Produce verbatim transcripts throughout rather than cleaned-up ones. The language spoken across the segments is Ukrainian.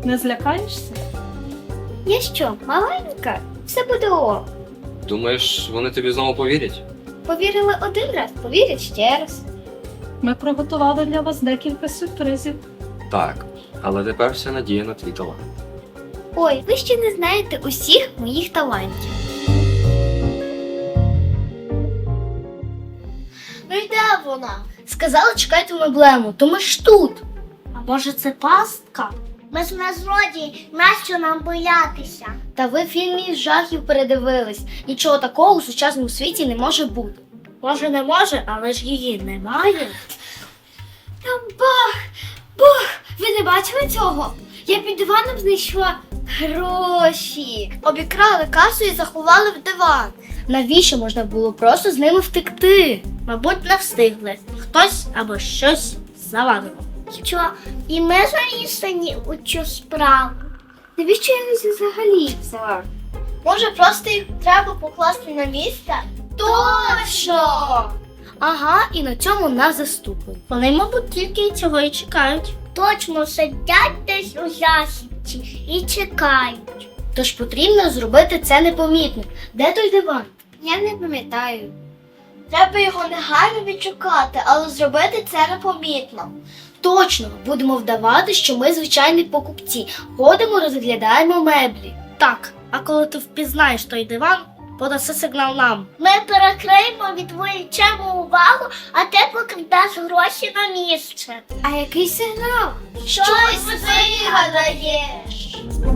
Не злякаєшся? Я що, маленька? Все буде ок. Думаєш, вони тобі знову повірять? Повірили один раз, повірять ще раз. Ми приготували для вас декілька сюрпризів. Так, але тепер вся надія на твій талант. Ой, ви ще не знаєте усіх моїх талантів. Ну і де вона? Сказала, чекайте меблему, то ми ж тут. А може це пастка? Ми ж не злодії, нащо нам боятися? Та ви фільмі жахів передивились. Нічого такого у сучасному світі не може бути. Може не може, але ж її немає. Там бах! Бах! Ви не бачили цього? Я під диваном знайшла гроші. Обікрали касу і заховали в диван. Навіщо можна було просто з ними втекти? Мабуть, не встигли. Хтось або щось завадило. Що? І ми замішані у цю справу? Навіщо я їх взагалі взяла? Може, просто їх треба покласти на місце? Точно! Ага, і на цьому нас заступили. Вони, мабуть, тільки цього і чекають. Точно, сидять десь у засідці і чекають. Тож потрібно зробити це непомітно. Де той диван? Я не пам'ятаю. Треба його негайно відшукати, але зробити це непомітно. Точно, будемо вдавати, що ми звичайні покупці. Ходимо, розглядаємо меблі. Так, а коли ти впізнаєш той диван, подаси сигнал нам. Ми перекриємо, відволічемо увагу, а ти покладеш гроші на місце. А який сигнал? Щось вигадаєш.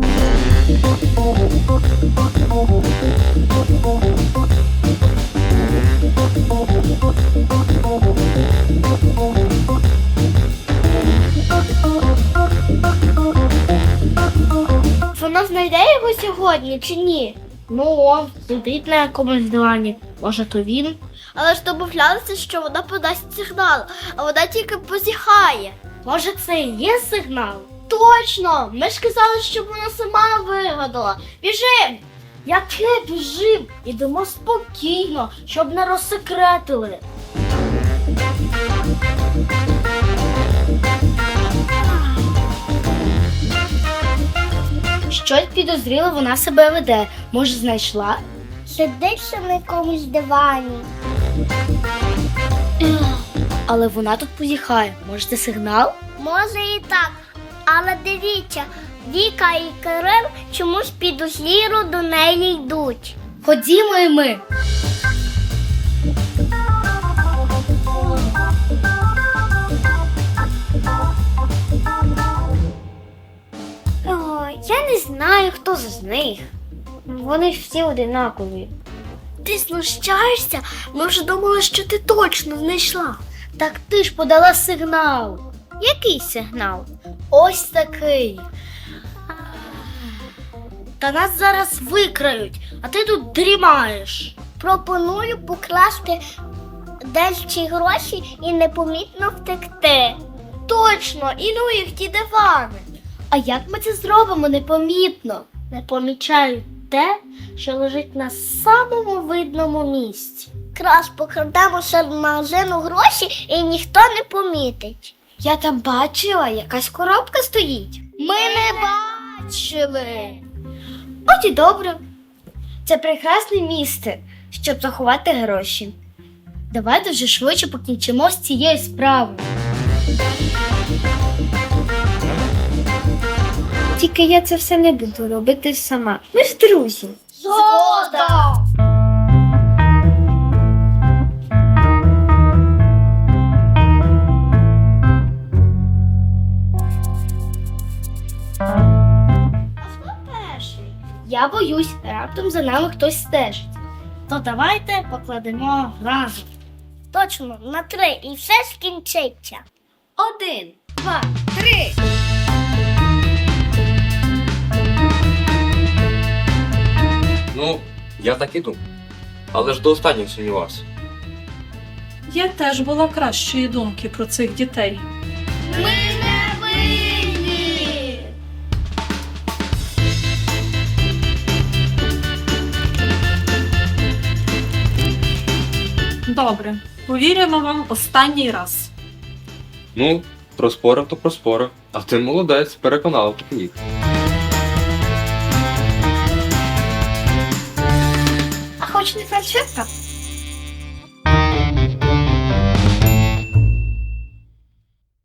Вона знайде його сьогодні чи ні? Ну, он сидить на якомусь дивані. Може, то він? Але ж домовлялися, що вона подасть сигнал, а вона тільки позіхає. Може, це і є сигнал? Точно! Ми ж казали, що вона сама вигадала. Біжим! Яке біжим? Ідемо спокійно, щоб не розсекретили. Щось підозріло вона себе веде. Може, знайшла? Сидить ще на якомусь дивані. Але вона тут позіхає. Може, це сигнал? Може і так. Але дивіться, Віка і Кирил чомусь підозріло до неї йдуть. Ходімо і ми. Ой, я не знаю, хто з них. Вони ж всі одинакові. Ти знущаєшся? Ми вже думали, що ти точно знайшла. Так ти ж подала сигнал. Який сигнал? Ось такий. Та нас зараз викрають, а ти тут дрімаєш. Пропоную покласти десь ці гроші і непомітно втекти. Точно, і ну їх ті дивани. А як ми це зробимо непомітно? Не помічаю те, що лежить на самому видному місці. Крас покрадемо серед магазину гроші і ніхто не помітить. Я там бачила, якась коробка стоїть. Ми не бачили. От і добре. Це прекрасне місце, щоб заховати гроші. Давайте вже швидше покінчимо з цією справою. Тільки я це все не буду робити сама. Ми ж друзі. Згода! А хто перший? Я боюсь, раптом за нами хтось стежить. То давайте покладемо разом. Точно, на три, і все скінчиться. Один, два, три. Ну, я так і думав. Але ж до останнього сумнівався. Я теж була кращої думки про цих дітей. Ми не винні! Добре, повіримо вам останній раз. Ну, проспорив, то проспорив. А ти молодець, переконала їх. ж не фальшивка?